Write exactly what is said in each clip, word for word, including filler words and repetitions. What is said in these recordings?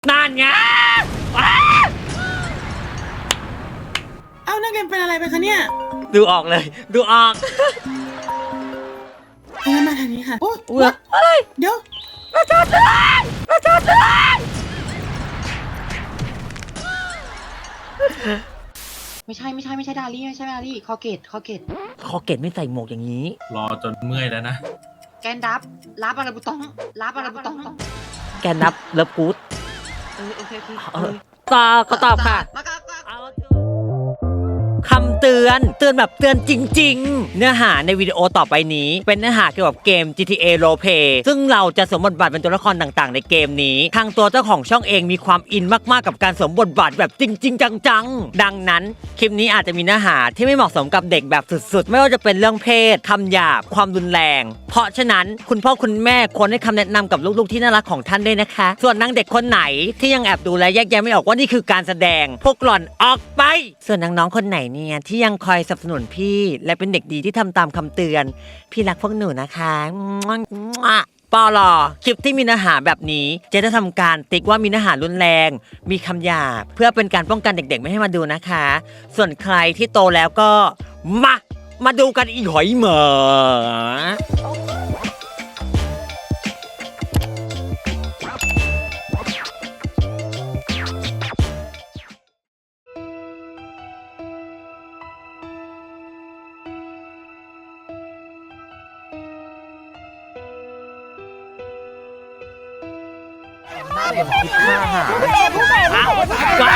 นั่นไงเอ้านักเรียนเป็นอะไรไปคะเนี่ยดูออกเลยดูออกงั้นมาทางนี้ค่ะโอ้ยเดี๋ยวประชาชนประชาชนไม่ใช่ไม่ใช่ไม่ใช่ดาลี่ไม่ใช่ดาลี่คอเกตคอเกตคอเกตไม่ใส่หมวกอย่างนี้รอจนเมื่อยแล้วนะแกนดับรับอะไรบุตองรับอะไรบุตองแกนับเลิฟกู๊ดเออโอเคโอเคตอบก็ตอบค่ะคำเตือนเตือนแบบเตือนจริงๆเนื้อหาในวิดีโอต่อไปนี้เป็นเนื้อหาเกี่ยวกับเกม จี ที เอ Roleplay ซึ่งเราจะสวมบทบาทเป็นตัวละครต่างๆในเกมนี้ทางตัวเจ้าของช่องเองมีความอินมากๆกับการสวมบทบาทแบบจริงๆจังๆดังนั้นคลิปนี้อาจจะมีเนื้อหาที่ไม่เหมาะสมกับเด็กแบบสุดๆไม่ว่าจะเป็นเรื่องเพศคำหยาบความรุนแรงเพราะฉะนั้นคุณพ่อคุณแม่ควรให้คำแนะนำกับลูกๆที่น่ารักของท่านด้วยนะคะส่วนนางเด็กคนไหนที่ยังแอบดูและแยกแยะไม่ออกว่านี่คือการแสดงพวกหล่อนออกไปส่วนน้องๆคนไหนเนี่ยที่ยังคอยสนับสนุนพี่และเป็นเด็กดีที่ทำตามคำเตือนพี่รักพวกหนูนะคะปอลอคลิปที่มีเนื้อหาแบบนี้จะได้ทำการติ๊กว่ามีเนื้อหารุนแรงมีคำหยาบเพื่อเป็นการป้องกันเด็กๆไม่ให้มาดูนะคะส่วนใครที่โตแล้วก็มามาดูกันอีหอยเหมอผู้เสพผู้เสพผู้เสพผู้เสพผู้เสพผู้เสพผู้เสพอยู่ทำไม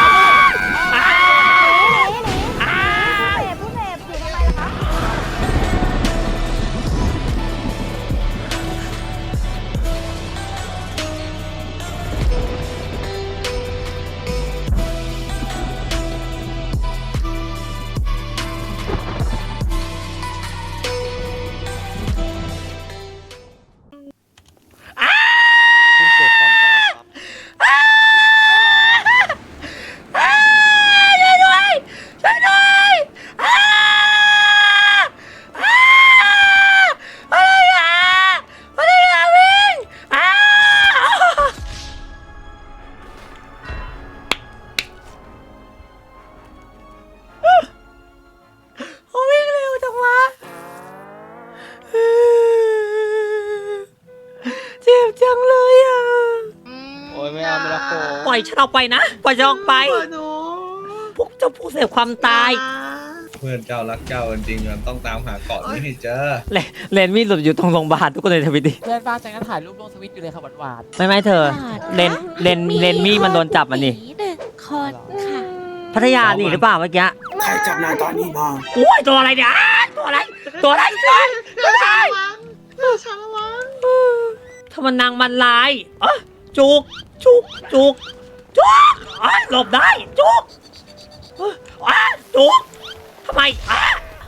ปล่อยฉันออกไปนะปล่อยฉันออกไปพวกเจ้าผู้เสพความตายเพื่อนเจ้ารักเจ้าจริงๆมันต้องตามหาเกาะนี้ให้เจอเลนมีหลุดอยู่ตรงโรงพยาบาลทุกคนในทวิตดิเพื่อนบ้านจังก็ถ่ายรูปลงทวิตอยู่เลยค่ะหวานๆไม่ไม่เธอเลนเลนเลนมี่มันโดนจับมันนี่หนึ่งคนค่ะพัทยาหนีหรือเปล่าเมื่อกี้ใครจับนายตอนนี้มาโอ้ยตัวอะไรเนี่ยตัวอะไรตัวอะไรตัวอะไรชาละวังถ้ามันนางมันลายเออจุกจุกจุกจุกอ๋อหลบได้จุกอ๋อจุกทำไมอ่ะ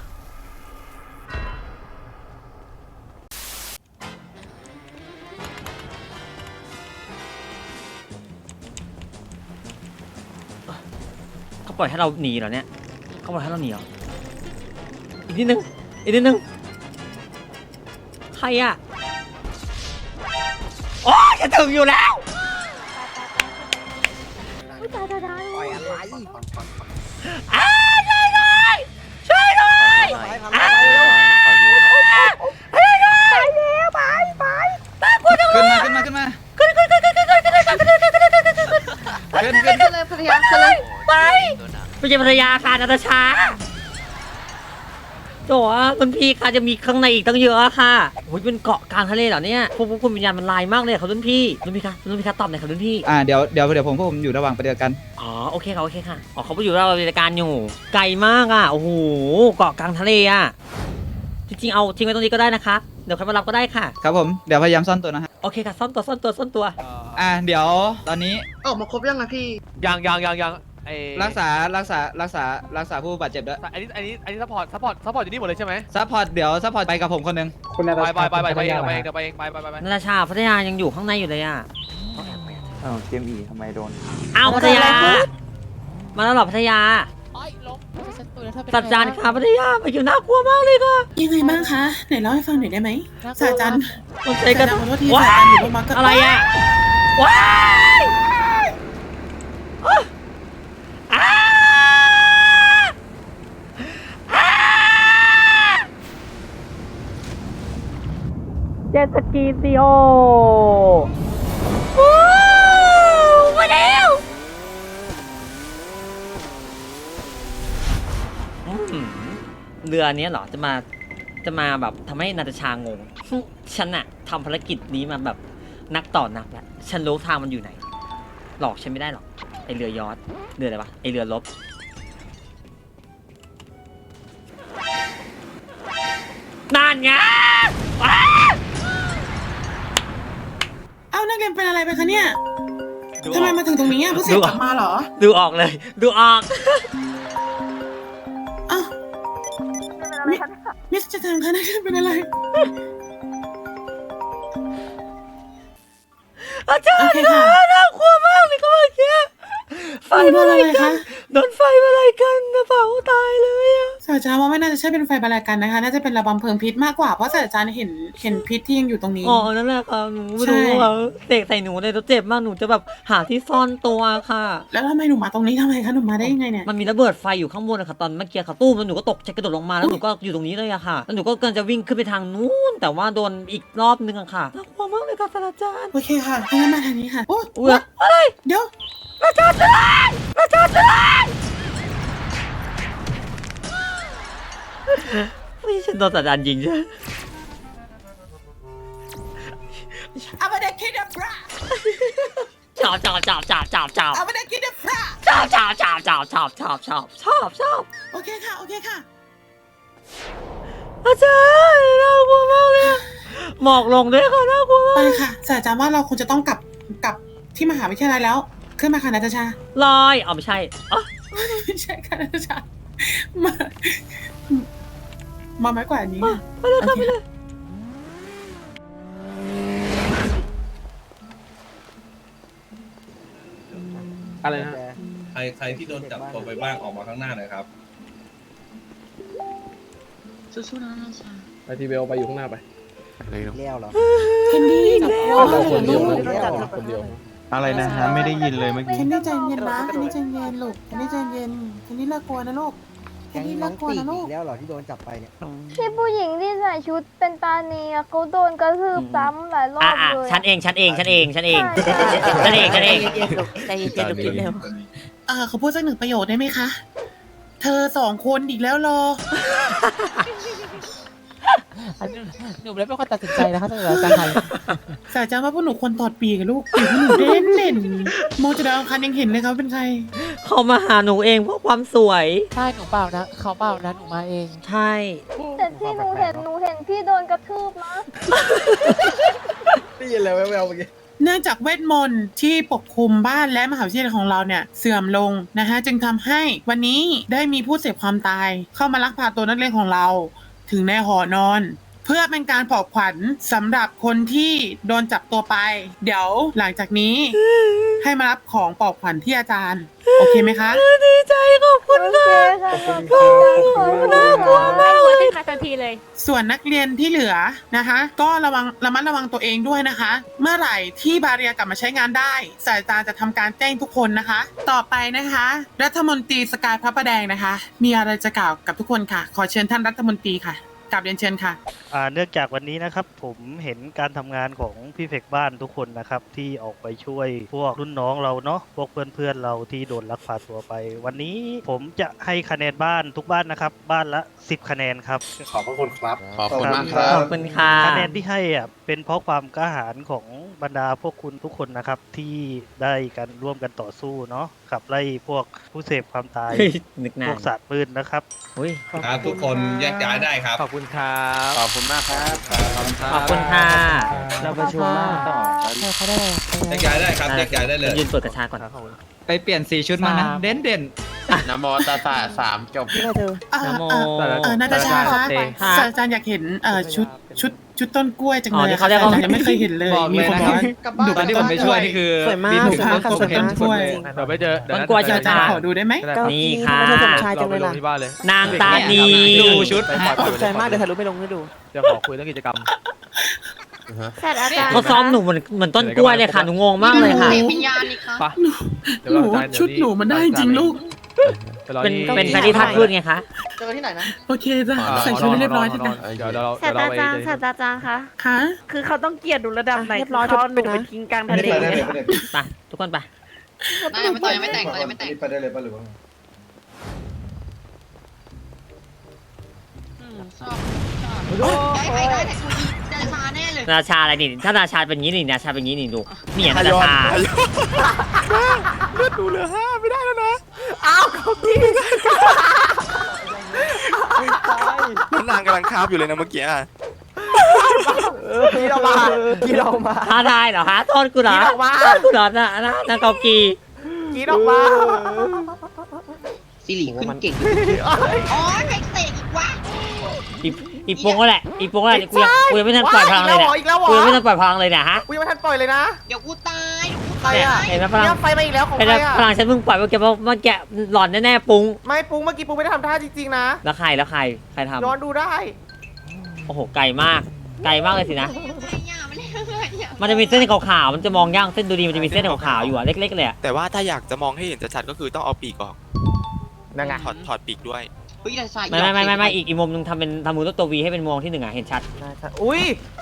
เขาปล่อยให้เราหนีเหรอเนี่ยเขาปล่อยให้เราหนีเหรออีกนิดนึงอีกนิดนึงใครอ่ะโอ้ยจะถึงอยู่แล้วปล่อยอะไรอ้าช่วยหน่อยช่วยหน่อยอ้าช่วยหน่อยไปเร็วไปไปตามกูขึ้นมาขึ้นมาขึ้นมาขึ้นขึ้นขึ้นขึ้นขึ้นขึ้นขึ้นขึ้นขึ้นขึ้นขึ้นขึ้นขึ้นเลยภรรยาเลยไปไปเจอภรรยาค่ะนาตาชาโจ้ะคุณพี่ค่ะจะมีข้างในอีกตั้งเยอะค่ะโอ้ยเป็นเกาะกลางทะเลเหรอเนี่ยพวกพวกคุณวิญญาณมันลายมากเลยครับรุ่นพี่รุ่นพี่คะรุ่นพี่คะตอบหน่อยครับรุ่นพี่อ่าเดี๋ยวเดี๋ยวเดี๋ยวผมพวกผมอยู่ระหว่างปฏิบัติการอ๋อโอเคค่ะโอเคค่ะอ๋อเขาไปอยู่ระหว่างปฏิบัติการอยู่ไกลมากอ่ะโอ้โหเกาะกลางทะเลอ่ะจริงๆเอาทิ้งไว้ตรงนี้ก็ได้นะคะเดี๋ยวใครมารับก็ได้ค่ะครับผมเดี๋ยวพยายามซ่อนตัวนะฮะโอเคค่ะซ่อนตัวซ่อนตัวซ่อนตัวอ่าเดี๋ยวตอนนี้ออกมาครบยังนะพี่ยังยังยังยังรักษารักษารักษารักษาผู้บาดเจ็บด้วยอันนี้อันนี้อันนี้ซัพพอร์ตซัพพอร์ตซัพพอร์ตอยู่นี่หมดเลยใช่ไหมซัพพอร์ตเดี๋ยวซัพพอร์ตไปกับผมคนนึงไปไปไปไปไปเองไปเองไปเองไปไปไปนาราชาพัทยายังอยู่ข้างในอยู่เลยอ่ะอ้าวเกมอีทำไมโดนอ้าวพัทยามาแล้วหรอพัทยาสัจจานค่ะพัทยาไปอยู่น่ากลัวมากเลยค่ะยังไงบ้างคะไหนเล่าให้ฟังหน่อยได้ไหมสัจจันมันใจกันขอโทษทีสัจจันอยู่บนมาร์กอะไรอ่ะว้ายจ็ตสกีสิโอว้าวมาแล้วอืมเรือเนี้ยเหรอจะมาจะมาแบบทำให้นาตาชางง ฉันอะทำภารกิจนี้มาแบบนักต่อนักแล้วฉันรู้ทางมันอยู่ไหนหลอกฉันไม่ได้หรอกไอเรือยอชต์เรืออะไรวะไอเรือรบนานไงว้าเอ้านักเรียนเป็นอะไรไปคะเนี่ยทำไมมาถึงตรงนี้อ่ะเพิ่งเสร็จกลับมาเหรอดูออกเลย ดูออกเอ้ามิมิสจะทางคะนักเรียนเป็นอะไรอาจารโอย์เคคะค่ะน่ากลัวมากเลยก็เมื่อกี้ไฟโดมานอะอะไร ไรคะกันโดนไฟมาอะไรกันกระเป๋าตายเลยอะศาสตราจารย์ว่าไม่น่าจะใช่เป็นไฟบรรลัยกันนะคะ น่าจะเป็นระบำเพลิงพิษมากกว่า เพราะศาสตราจารย์เห็นเห็นพิษที่ยังอยู่ตรงนี้อ๋อนั่นแหละค่ะหนูไม่รู้ใช่ว่าเตะใส่หนูเลยแล้วเจ็บมากหนูจะแบบหาที่ซ่อนตัวค่ะแล้วทำไมหนูมาตรงนี้ทำไมคะหนูมาได้ยังไงเนี่ยมันมีระเบิดไฟอยู่ข้างบนนะคะตอนเมื่อกี้ค่ะตู้มแล้วหนูก็ตกใจกระโดดลงมาแล้วหนูก็อยู่ตรงนี้เลยอะค่ะแล้วหนูก็กำลังจะวิ่งขึ้นไปทางนู้นแต่ว่าโดนอีกรอบนึงอะค่ะน่ากลัวมากเลยค่ะศาสตราจารย์โอเคค่ะงั้นมาทางนี้ค่ะ โอ้อุ้ยอะไรเดี๋ยวอาจารย์เตือนอาจารย์เตือนไม่ใช่โดนศาสตราจารย์ยิงใช่ไหมเอาไปเด็กคิดเดฟราชอบชอบชอบชอบชอบชอบเอาไปเด็กคิดเดฟราชอบชอบชอบชอบชอบชอบชอบชอบชอบโอเคค่ะ โอเคค่ะอาจารย์น่ากลัวมากเลยหมอกลงด้วยค่ะน่ากลัวมาไปกค่ะศาสตราจารย์ว่าเราคงจะต้องกลับกลับที่มหาวิทยาลัยแล้ว ขึ้นมาค่ะนาตาชาลอยอ๋อไม่ใช่อ๋อไม่ใช่ค่ะนาตาชา มา มาไม้กว่านี้ค่ะไปเลยค่ะไปเลยอะไรนะใครใครที่โดนจับตัวไปบ้างออกมาข้างหน้าหน่อยครับสู้ๆนะนาชาไปทีเบลไปอยู่ข้างหน้าไปเคนดี้เราคนเดียวลูนะกคนเดียวอะไรนะฮะไม่ได้ยินเลยเมื่อเคกี้นดี้ใจเย็นนะเคนดี้ใจเย็นลูกเคนดี้ใจเย็นเคนดี้เลิกกลัวนะลูกเคนดี้เลิกกลัวนะลูกแล้วเหรอที่โดนจับไปเนี่ยที่ผู้หญิงที่ใส่ชุดเป็นตาเนียเขาโดนกระทืบซ้ำหลายรออ่ะบอ่ะเลยฉันเองฉันเองฉันเองฉันเองใช่ใช่ฉันเองฉันเองใจเย็นๆลูกคิดเร็วเออเขาพูดสักหนึ่งประโยคได้ไหมคะ เธอสองคนอีกแล้วเหรอหนูไม่ได้เป็นคนตัดสินใจนะคะท่านอาจารย์ไทยศาสตราจารย์ว่าพวกหนูควรถอดปีกกับลูกปีกพวกหนูเด่นเด่นมองจะดาวอังคารยังเห็นเลยครับเป็นใครเขามาหาหนูเองเพราะความสวยใช่หนูเปล่านะเขาเปล่านะหนูมาเองใช่แต่ที่หนูเห็นหนูเห็นพี่โดนกระทืบนะได้ยินเลยแววๆเมื่อกี้เนื่องจากเวทมนต์ที่ปกคลุมบ้านและมหาวิทยาลัยของเราเนี่ยเสื่อมลงนะฮะจึงทำให้วันนี้ได้มีผู้เสพความตาย เข้ามาลักพาตัวนักเรียนของเรา ถึงในหอนอน เพื่อเป็นการปลอบขวัญสำหรับคนที่โดนจับตัวไป เดี๋ยวหลังจากนี้ ให้มารับของปลอบขวัญที่อาจารย์ โอเคไหมคะดีใจขอบคุณโอเคค่ะค่ะขอบคุณมากน่ากลัวมากเลยทันทีเลยส่วนนักเรียนที่เหลือนะคะ ก็ระวังระมัดระวังตัวเองด้วยนะคะ เมื่อไหร่ที่บาเรียกลับมาใช้งานได้ศาสตราจารย์จะทำการแจ้งทุกคนนะคะ ต่อไปนะคะ รัฐมนตรีสกายพระประแดงนะคะ มีอะไรจะกล่าวกับทุกคนค่ะ ขอเชิญท่านรัฐมนตรีค่ะกลับเรียนเชิญค่ะอ่าเนื่องจากวันนี้นะครับผมเห็นการทำงานของพี่เฟกบ้านทุกคนนะครับที่ออกไปช่วยพวกรุ่นน้องเราเนาะพวกเพื่อนๆเราที่โดนลักพาตัวไป วันนี้ผมจะให้คะแนนบ้านทุกบ้านนะครับบ้านละสิบคะแนนครับขอบพระคุณครับขอบคุณมากครับขอบคุณค่ะคะแนนที่ให้อ่ะเป็นเพราะความกล้าหาญของบรรดาพวกคุณทุกคนนะครับที่ได้กันร่วมกันต่อสู้เนาะขับไล่พวกผู้เสพความตายเฮ้ยนึกนาพวน กสัตว์ปืนนะครับอุ้ยครับทุกคนแยกย้ายได้ครับขอบคุณครับขอบคุณมากครับขอบคุณค่ะเราประชุมมากต่อใช่เขาได้เลยแยกย้ายได้ครับแยกย้ายได้เลยยืนเปิดกระชาก่อนไปเปลี่ยนสีชุดมานะ เด่นเด่นนะโมตัสสะสามจบเออนะโมเออเออนาตาชาคะค่ะศาสตราจารย์อยากเห็นเอ่อชุดชุดชุดต้นกล้วยจังอ๋เลอย ที่อะเขาเรียกว่าศสตรจยังไม่เคยเห็นเลยบอกมีเลยคนนะบอกครับตอนที่ผมไปช่วยนี่คือสวยมากมีหนุ่มสวยมากต้นผมเห็นต้นกล้วยเดี๋ยวไปเจอเดี๋ยวต้นกล้วยศาสตราจารย์ขอดูได้ไหมนี่ค่ะเราไปลงที่บ้านเลยนางตานีดูชุดไปปล่อยปล่อยไปใจมากเดี๋ยวถ่ายรูปไปลงให้ดูจะขอคุยเรื่องกิจกรรมศาสตราจารย์เขาซ้อมหนูเหมือนเหมือนต้นกล้วยเลยค่ะหนูงงมากเลยค่ะเสกวิญญาณนี่คะไปเดี๋ยวหนูเราจะเดี๋ยวชุดหนูมันได้จริงลูกไปรอเป็นที่เป็นแฟนที่ท่านพูดไงคะเจอที่ไหนนะโอเคจ้ะใส่ชุดให้เรียบร้อยจ้ะเดี๋ยวเดี๋ยวเราศาเดี๋สยวตเราราไปจารย์ศาสตราจารย์คะค่ะคือเขาต้องเกลียดดูระดับไหนเรียบร้อยเขาเอาหนูจบไปนะทิ้งกลางทะเลไปทุกคนไปไม่ยังไม่แต่งยังไม่แต่งยังไม่แต่งไปได้เลยป่ะหรือว่าอืมชอบชอบได้ใครได้แต่กูยิงได้ชาแน่เลยราชาอะไรนี่ถ้าราชาเป็นงี้นี่ราชาเป็นงี้นี่ดูนี่อย่างราชาเลือดดูเหลือห้าไม่ได้แล้วนะอ้าวเขาดีแล้วนางกำลังคาบอยู่เลยนะเมื่อกี้กีดออกมากีดออกมาท้าทายเหรอฮะโทษกูเหรอกีดออกมาโทษกูเหรอนะนะนางเกากีกีดออกมาสิริขึ้นเก่งอ๋อใครเตะอีกวะอีอีปงก็แหละอีปงก็แหละกูยังกูยังไม่ทันปล่อยพลังเลยเนี่ยอีกแล้วเหรอกูอียังกไม่แล้วเหรอทันปล่อยพลังเลยเนี่ยฮะกูยังไม่ทันปล่อยเลยนะเดี๋ยวกูตายใครอ่ะเห็นไหมพลังเนี่ยไฟมาอีกแล้วของเป็นใครไงอ่ะพลังฉันเพิ่งปล่อยเมื่อกี้เมื่อกี้หลอนแน่ๆปุงไม่ปุ้งเมื่อกี้ปุ้งไม่ได้ทำท่าจริงๆนะแล้วใครแล้วใครใครทำย้อนดูได้โอ้โหไกลมากไกลมากเลยสินะอย่าไม่เล่นอย่ามันจะมีเส้นขาวๆมันจะมองยากเส้นดูดีมันจะมีเส้นขาวๆอยู่อะเล็กๆเลยอะแต่ว่าถ้าอยากจะมองให้เห็นชัดๆก็คือต้องเอาปีกออกนั่นไงถอดถอดปีกด้วยเฮ้ยแต่ชายไม่ไม่ไม่ไม่ไม่อีกอีกมุมนึงทำเป็นทำมือตัววีให้เป็นมองที่หนึ่งอะเห็นชัดใช่ใช่อุ้ย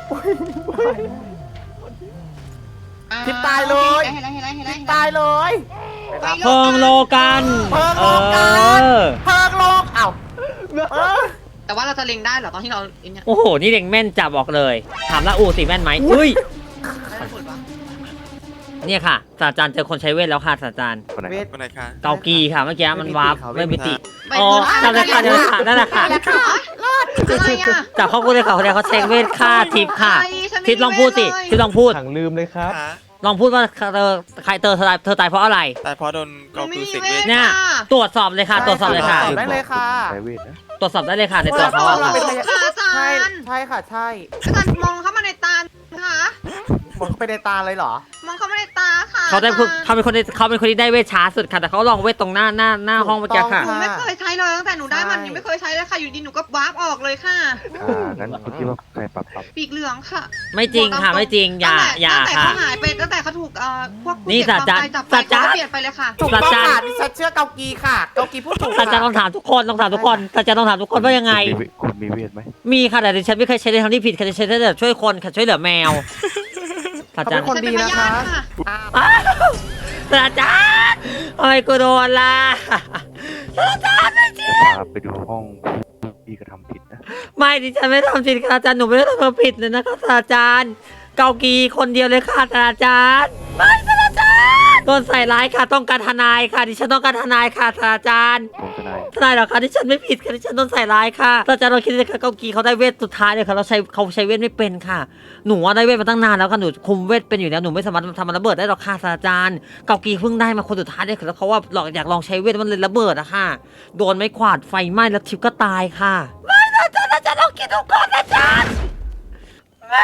อ่ทิปตายเลยเห็นแล้วเห็นแล้วเห็นแล้วเห็นแล้วตายเลยเพิงโลกันเพิงเอโลกันอเพิงโลกเอ้าเออแต่ว่าเราจะเล็งได้เหรอตอนที่เราไอ้เนี่ยโอ้โหนี่เด็กแม่นจับบอกเลย ถามละอูสิแม่นไหมอุ้ยได้ผลปะเนี่ยค่ะศาสตราจารย์เจอคนใช้เวทแล้วค่ะศาสตราจารย์เวทคนไหนคะเกากีค่ะเมื่อกี้มันวาร์ปไม่มิติไปอ๋อดูนั่นแหละค่ะนั่นแหละค่ะนั่นแหละค่ะอะไรอ่ะจับเข้ากูเลยค่ะคนเดียวเขาใช้เวทฆ่าทิพย์ค่ะอะไรฉันไม่ทิพย์ลองพูดสิมีเวทเลยทิพย์ลองพูดถังลืมเลยครับลองพูดว่าเธอใครเธอเธอตายเธอตายเพราะอะไรแต่พอโดนหนูก็ไม่คือมีเสกเวเวททเนี่ยค่ะตรวจสอบเลยค่ะ ตรวจสอบเลยค่ะตอบได้เลยค่ะตรวจสอบได้เลยค่ะในตัวเขาอะเราค่ะเป็นพยาค่ะอาจาใช่รย์ใช่ค่ะใช่อาจารย์มองเข้ามาในตาค่ะมองเข้าไปในตาเลยเหรอมองเข้ามาในตาค่ะเขาได้อจรย์เขาเป็นคนที่เขาเป็นคนที่ได้เวทช้าสุดค่ะแต่เขาลองเวทตรงหน้าหน้าหน้าห้องเมื่อกี้ค่ะหนูไม่เคยใช้เลยตั้งแต่หนูได้มันใช่ยังไม่เคยใช้เลยค่ะอยู่ดีหนูก็วาร์ปออกเลยค่ะอ่างั้นคุณคิดว่าใครปรับปรับปีกเหลืองค่ะไม่จริงค่ะไม่จริงอย่าตั้งแต่อย่าตั้งแต่ค่ะเขาหายไปตั้งแต่เขาถูกเอ่อพวกผู้นี่เก็บศาสตราความจารย์ตายจับไปศาสตราเขาเปลี่ยนไปเลยค่ะถูกต้องค่ะดิฉันเชื่อเกากีค่ะ เกากีพูดถูกศาสตราจารย์ต้องถามทุกคนต้องถามทุกคนศาสตราจารย์ต้องถามทุกคนว่ายังไงคุณมีเวทไหมมีค่ะแต่ดิฉันไม่เคยใช้ในทางที่ผิดค่ะดิฉันใช้แต่ช่วยคนค่ะช่วยเหลือแมวศาสตราจารย์คนดีนะคะอ้าวศาสตราจารย์ทำไมกูโดนล่ะศาสตราจารย์ไม่จริงพาไปดูห้องพี่กระทำผิดนะไม่ดิฉันไม่ได้ทำผิดค่ะอาจารย์หนูไม่ได้ทำความผิดเลยนะคะศาสตราจารย์เกากีคนเดียวเลยค่ะศาสตราจารย์ไม่ศาสตราจารย์โดนใส่ร้ายค่ะต้องการทนายค่ะดิฉันต้องการทนายค่ะศาสตราจารย์ผมทนายทนายเหรอคะดิฉันไม่ผิดค่ะดิฉันโดนใส่ร้ายค่ะศาสตราจารย์เราคิดเลยค่ะเกากีเขาได้เวทสุดท้ายเลยค่ะเราใช้เขาใช้เวทไม่เป็นค่ะหนูว่าได้เวทมาตั้งนานแล้วค่ะหนูคุมเวทเป็นอยู่แล้วหนูไม่สามารถทำมันระเบิดได้หรอกค่ะศาสตราจารย์เกากีเพิ่งได้มาคนสุดท้ายเลยค่ะแล้วเขาว่าหลอกอยากลองใช้เวทมันเลยระเบิดอะค่ะโดนไม้ขวาดไฟไหม้แล้วทิพย์ก็ตายค่ะไม่ศาสตราจารย์อาจารย์ลองคิดดูก่อนอาจารย์ไม่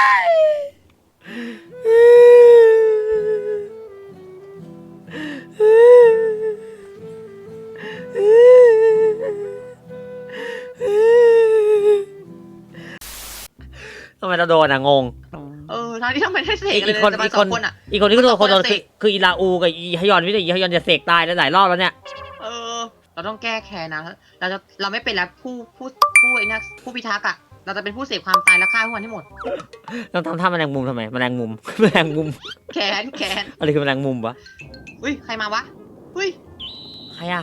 ทำไมเราโดนอะงงเออทั้งที่ทำไมได้เสกอีกเลยอีกคนแต่มาอีกสคอน งคนอ่ะอีกคนที่ก็โดนคนโดนคนละคือเสกคืออีลาอูกับอีฮยอนไม่ได้อีฮยอนจะเสกตายหลายรอบแล้วเนี่ยเออ เราต้องแก้แค้นนะเราจะเราไม่เป็นแล้วผู้ผู้ผู้ไอ้นี่ผู้พิทักษ์อ่ะเราจะเป็นผู้เสพความตายแล้วฆ่าทุกคนให้หมดต้องทำท่าแมลงมุมทำไมแมลงมุม แมลงมุมแค้นแค้นอะไรคือแมลงมุมวะอุ้ยใครมาวะอุ้ยใครอะ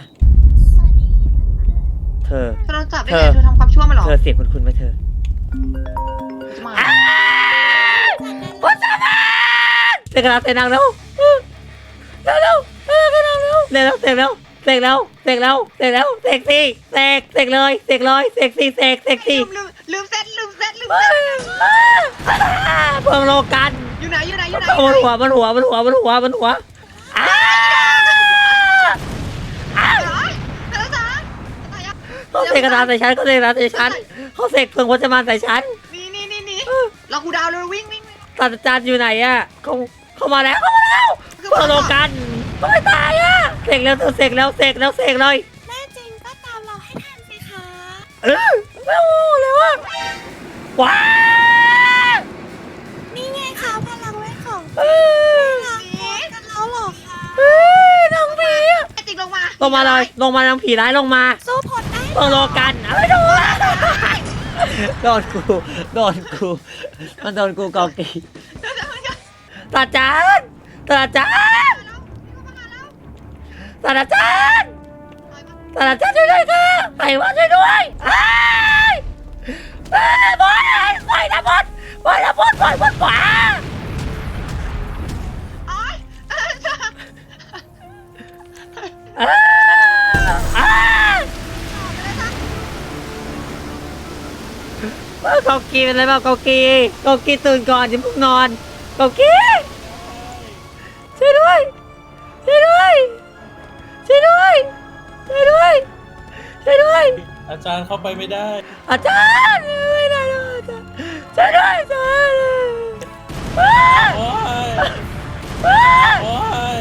เธอถ้าเราจับได้เธไงอเธอทำความชั่วมาหรอเธอเสียงคุณคุณไหมเธอจะมาพุทธมาเสกแล้วเสกนางเร็วเร็วเร็วเร็วเร็วเร็วเร็วเสกแล้วเสกแล้วเสกแล้วเสกแล้วเสกสิเสกเสกเลยเสกเลยเสกสิเสกเสกสิลืมลืมลืมเซตลืมเซตลืมเซตเพิ่งโลกันอยู่ไหนอยู่ไหนอยู่ไหนมันหัวมันหัวมันหัวมันหัวมันหัวอ้าอ้าเธอจ๋าตายอ่ะเขาเสกกระดาษใส่ฉันเขาเสกกระดาษใส่ฉันเขาเสกเพิ่งวัชมานใส่ฉันนี่นี่นี่นี่เรากูดาวเลยวิ่งวิ่งวิ่งศาสตราจารย์อยู่ไหนอะเขาเขามาแล้วเขามาแล้วเพิ่งโลกันเขาไม่ตายอะเสกแล้วเธอเสกแล้วเสกแล้วเสกเลยแม่จริงก็ตามเราให้ทันสิคะเออไม่โอ้เลยว่ะว้านี่ไงคะพลังเวทของเออรักกันแล้วหรอคะเออน้องพี่อะไอ้จริงลงมาโลงมาเลยลงมาทางผีร้ายลงมาสู้ผลได้ลงโลกันเอาไปดูโดนกูโดนกูมันโดนกูกอกีตาจานตาจานตาจานตาจานช่วยด้วยค่ะไปว่าช่วยด้วยไอ้ไอ้บอยปล่อยนะบอลปล่อยนะบอลปล่อยบอลขวาเกากีเป็นไรบ้างเกากีเกากีตื่นก่อนอย่าเพิ่งนอนเกากีช่วยด้วยช่วยด้วยช่วยด้วยช่วยด้วยช่วยด้วยอาจารย์เข้าไปไม่ได้อาจารย์ไม่ได้แล้วอาจารย์ช่วยด้วยอาจารย์โอ้ยโอ้ย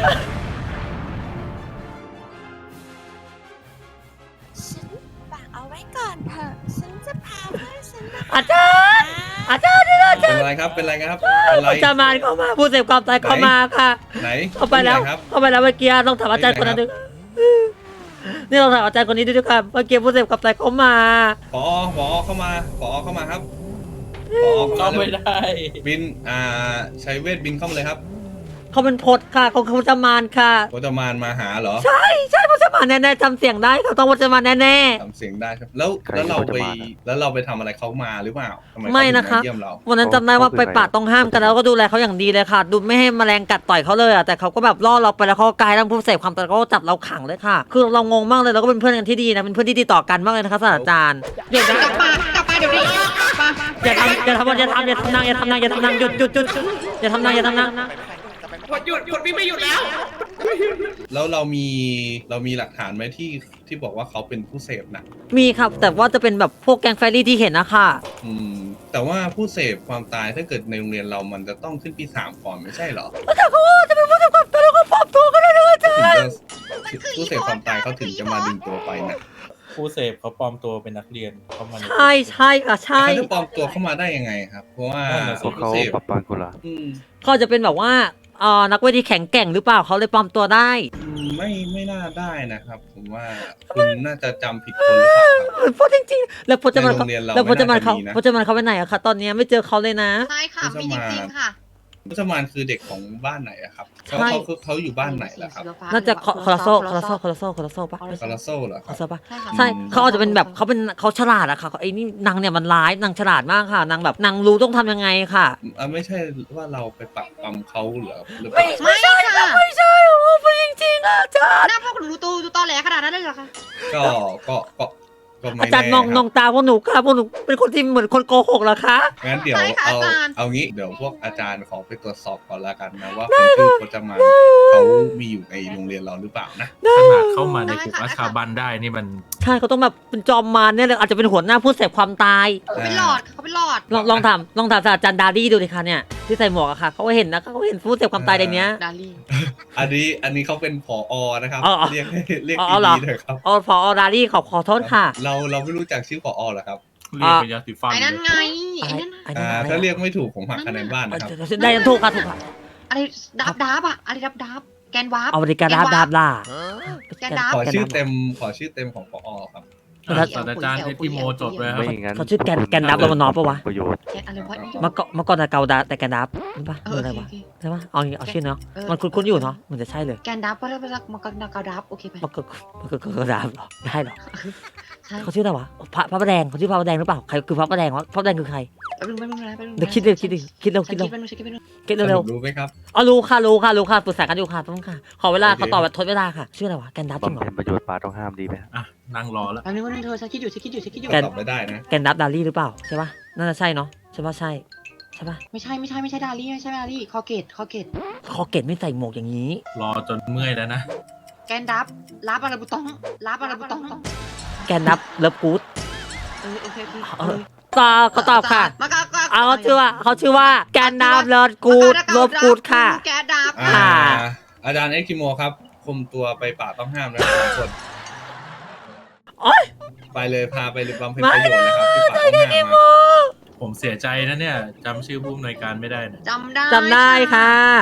ฉันฝากเอาไว้ก่อนเถอะฉันจะพาเพื่อนฉันมาอาจารย์อาจารย์ช่วยด้วยอาเป็จารนย์ไรครับ เป็นไรครับ เป็นไรอาจารย์มารเข้ามาผู้เสพความตายเข้ามาค่ะไหนเข้าไปแล้วหนครับเข้าไปแล้วเมื่อกี้ต้องถามอาจารย์คนนั้นด้วยนี่เราถามอาจารย์คนนี้ด้วยครับเมื่อกี้ผู้เสพความตายเข้ามาปอปอเข้ามาปอเข้ามาครับปอเข้าไม่ได้ บิน อ่า ใช้เวทบินเข้ามาเลยครับเขาเป็นพดค่ะเขาเขาจะมารค่ะโคตมานมาหาเหรอใช่ใช่เขาจะมารแน่ๆจำเสียงได้เขาต้องว่าจะมาแน่ทำเสียงได้ครับ แล้ว แล้วเราไป แล้วเราไปทำอะไรเขามาหรือเปล่าทำไมๆเขาไม่ถึงนะคะเยี่ยมเราวันนั้นจำได้ว่าไปป่าต้องห้ามกันแล้วก็ดูแลเขาอย่างดีเลยค่ะ ดูไม่ให้แมลงกัดต่อยเขาเลยอ่ะแต่เขาก็แบบล่อเราไปแล้วเขาก็กลายร่างผู้เสพความตายเขาก็จับเราขังเลยค่ะ คือเรางงมากเลยเราก็เป็นเพื่อนกันที่ดีนะเป็นเพื่อนที่ดีต่อกันมากเลยนะคะศาสตราจารย์เดี๋ยวนะกลับมากลับมาเดี๋ยวนี้มาอย่าทำอย่าทำอย่าทำอย่าทำนางอย่าทำนางอย่าทำนางหยุดหยุดหยุดอย่าทำนางอย่าทำนางหยุดหยุดพี่ไม่หยุดแล้วแล้วเรามี เรามีหลักฐานไหมที่ ที่บอกว่าเขาเป็นผู้เสพหนักมีครับแต่ว่าจะเป็นแบบพวกแกงแฟรี่ที่เห็นนะคะอืม แต่ว่าผู้เสพความตายถ้าเกิดในโรงเรียนเรามันจะต้องขึ้นปีสามก่อนไม่ใช่เหรอแต่เขาว่าจะเป็นผู้เสพความตายแล้วก็ปลอมตัวก็ได้เลยอาจารถึงย์จะผู้เสพความตายเขาถึงจะมาดึงตัวไปนะผู้เสพเขาปลอมตัวเป็นนักเรียนเข้ามาในใช่ใช่ค่ะใช่เขาจะปลอมตัวเข้ามาได้ยังไงครับ เพราะว่าเพราะเขาผู้สพปรับปรามกุลาอืมเขาจะเป็นแบบว่าเอ่อนักเวทีแข็งแกร่งหรือเปล่าเขาเลยปลอมตัวได้อืมไม่ไม่น่าได้นะครับ ผมว่าคุณน่าจะจำผิดคนหรือเปล่าครับเพราะจริงๆแล้วพจมานในโรงเรียนเราแล้วพจมานเขาไม่น่าจะมีนะพจมานเขาไปไหนอะคะตอนนี้ไม่เจอเขาเลยนะใช่ค่ะ มีจริงๆค่ะมุสมานคือเด็กของบ้านไหนอะครับเขาใช่เขาเขาเขาอยู่บ้านไหนล่ะครับน่าจะคอคอร์โซคอร์โซคอร์โซคอร์โซปะคาราโซเหรอคคอรับร์โซปะใช่ค่ะใช่เขาอาจจะเป็นแบบเขาเป็นเขาฉลาดอะค่ะไอ้นี่นางเนี่ยมันร้ายนางฉลาดมากค่ะนางแบบนางรู้ต้องทำยังไงค่ะอ่ะไม่ใช่ว่าเราไปปักปั๊มเขาเหรอหรือเปล่าไม่ใช่ค่ะไม่ใช่โอ้เป็นจริงๆอะอาจารย์หน้าพวกหนูดูตูดูตอแหลขนาดนั้นเลยเหรอคะก็ก็ก็ก็ไม่อาแน่จารย์มองคบนองตาพวกหนูค่ะพวกหนูเป็นคนที่เหมือนคนโกหกเหรอคะงั้นเดี๋ยวใช่ค่ะเอาอาจารย์เอางี้เดี๋ยวพวกอาจารย์ขอไปตรวจสอบก่อนละกันนะว่าคนชื่อพจมานเขามีอยู่ในโรงเรียนเราหรือเปล่านะขนาดเข้ามาในกลุ่มอาชาบันได้นี่มันใช่เขาต้องแบบเป็นจอมมารเนี่ยเลยอาจจะเป็นหัวหน้าผู้เสพความตายเขาเป็นหลอดเขาเป็นหลอดลองลองถามลองถามศาสตราจารย์ดารี่ดูดิคะเนี่ยที่ใส่หมวกอะค่ะเขาก็เห็นนะเขาก็เห็นผู้เสพความตายในเนี้ยดาลี่อันนี้อันนี้เขาเป็นผอนะครับอ๋ออ๋อเรียกให้เรียกอ๋อเหรอดีๆเลยครับอ๋อพอดารี่ขอขอโทษค่ะเราเราไม่รู้จักชื่อผอเหรอครับเรียกเป็นยาสีฟันไอ้นั่นเลยไง ไอ้นั่นไอ้อ่านั่นอะไรถ้าเรียกไม่ถูกผมหักคะแนนบ้านนะครับได้ถูกค่ะถูกค่ะอะไรดับดับอะอะไรดับดับแกนวาร์ปเอาบริการดาบดาบล่าแกนดับขอชื่อเต็มขอชื่อเต็มของผอครับอ่ะศาสตราจารย์เอ็ดดี้โมจดไว้ครับไม่งั้นเขาชื่อแกนแกนดับโรมานอฟปะวะประโยชน์แกนอะไรวะเมื่อก่อนเมื่อก่อนแต่เกาดาแต่แกนดับนี่ปะเอคือออะไรโอวะเคใช่ปะเอางี้เอาชื่อเนาะเออมันคุ้นๆอยู่เนาะมันจะใช่เลยแกนดับเพราะเราเป็นมันก็กระดับโอเคไหมมันก็มันก็กระดาบเหรอได้เหรอใช่เขาชื่ออะไรวะพระพระประแดงเขาชื่อพระประแดงหรือเปล่าใครคือพระประแดงวะพระประแดงคือใครแป๊บนึงแป๊บนึงแป๊บนึงเดี๋ยวคิดเร็วคิดดิคิดเร็วฉัคินดเร็วคิดแป๊บนึงฉันคิดแป๊บนึงคิดเร็วรู้ไหมครับๆอ๋อรู้ค่ะรู้ค่ะรู้ค่ะปรึกษากันอยู่ค่ะต้องค่ะขอเวลาโอเคขอตอบแบบทดเวลาค่ะชื่ออะไรวะแกนดับจริงเหรบำอเพ็ญประโยชน์ป่าต้องห้ามดีไหมอ่ะ นั่งรอแล้วแป๊บนึงแป๊บนึงเธอฉันคิดอยู่ฉันคิดอยู่ฉันคิดอยู่แกนตอบไม่ได้นะแกนดับดารี่หรือเปล่าใช่ปะน่าจะใช่เนาะใช่ปะใช่ใช่ปะไม่ใช่ไม่ใช่ไม่ใช่ดาลี่ไม่ใช่ดาลี่คอเกตคอเกตคอเกตไม่ใส่หมวกอย่างนี้รอจนเมื่อยแล้วนะแกนดับรับอะไรบุตองรับอะไรบุตองแกนดับเลิฟกู๊ดเออโอเคโอเคเออตอบเขาตอบค่ะมาก็ก็เอาเขาชื่อว่าเขาชื่อว่าแกนดับเลิฟกู๊ดเลิฟกู๊ดค่ะแกนดับอ่าค่ะอาจารย์เอ็กคิโมครับคุมตัวไปป่าต้องห้ามนะสองคนโอ๊ยไปเลยพาไปบำเพ็ญประโยชน์นะครับที่ป่าต้องห้ามมาผมเสียใจนะเนี่ยจำชื่อผู้อำนวยการไม่ได้เนี่ยจำได้จำได้ค่ะ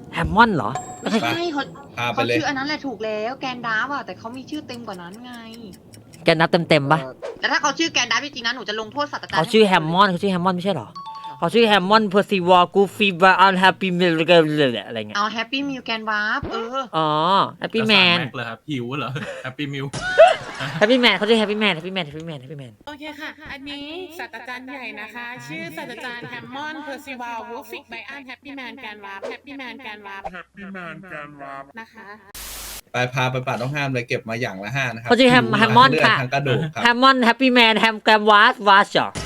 แฮมมอนเหรอไม่ใช่เขาพาไปเขาเลยชื่ออันนั้นแหละถูกแล้วแกนดาร์ฟอะแต่เขามีชื่อเต็มกว่านั้นไงแกนับเต็มๆปะแต่ถ้าเขาชื่อแกนดาร์ฟจริงๆนะหนูจะลงโทษศาสตราจารย์เขาชื่อแฮมมอนเขาชื่อแฮมมอนไม่ใช่เหรอเขาชื่อแฮมมอนเพอร์ซิวอลกูฟีบาร์อันแฮปปี้เมลอะไรเงี้ยเอาแฮปปี้มิวแกนวาร์ฟเอออ๋อแฮปปี้แมนแม็กเลยครับหิวเหรอแฮปปี้มิลแฮปปี้แมนเขาชื่อแฮปปี้แมนแฮปปี้แมนแฮปปี้แมนแฮปปี้แมนโอเคค่ะ อันนี้ศาสตราจารย์ใหญ่นะคะ ชื่อศาสตราจารย์แฮมมอนเพอร์ซิวัลวูฟิกไบอันแฮปปี้แมนแกนวาร์แฮปปี้แมนแกนวาร์แฮปปี้แมนแกนวาร์นะคะไปพาไปป่าต้องห้ามเลยเก็บมาอย่างละห้านะครัเขาชื่อแฮมผิวแฮมมอนเลืดค่ะทางกระดูกครับแฮมมอนแฮปปี้แมนแฮมแกรมวาสวาสจอ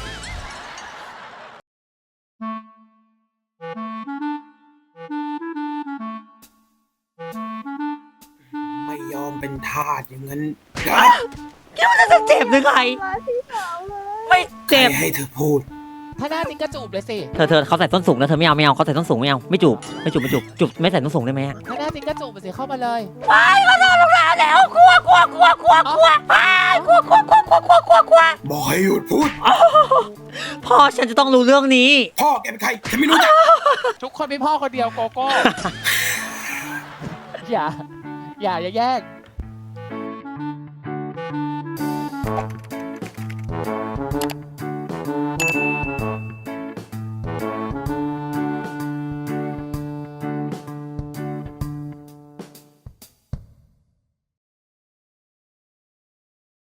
ไม่ยอมเป็นทาสอย่างนั้นคิดว่าจะเจ็บหรือไงมาที่สาวเลยไม่เจ็บให้เธอพูดถ้าหน้าจริงก็จูบเลยสิเธอเธอเขาใส่ส้นสูงนะเธอไม่เอาไม่เอาเขาใส่ส้นสูงไม่เอาไม่จูบไม่จูบไม่จูบจูบไม่ใส่ส้นสูงได้ไหมอะถ้าหน้าจริงก็จูบไปสิเข้ามาเลยไปเขาโดนลงมาแล้วกลัวกลัวกลัวกลัวกลัวไปกลัวกลัวกลัวกลัวกลัวกลัวกลัวบอกให้หยุดพูดพ่อฉันจะต้องรู้เรื่องนี้พ่อแกเป็นใครฉันไม่รู้จักทุกคนมีพ่อคนเดียวโกโก้ อย่า อย่าอย่าแยก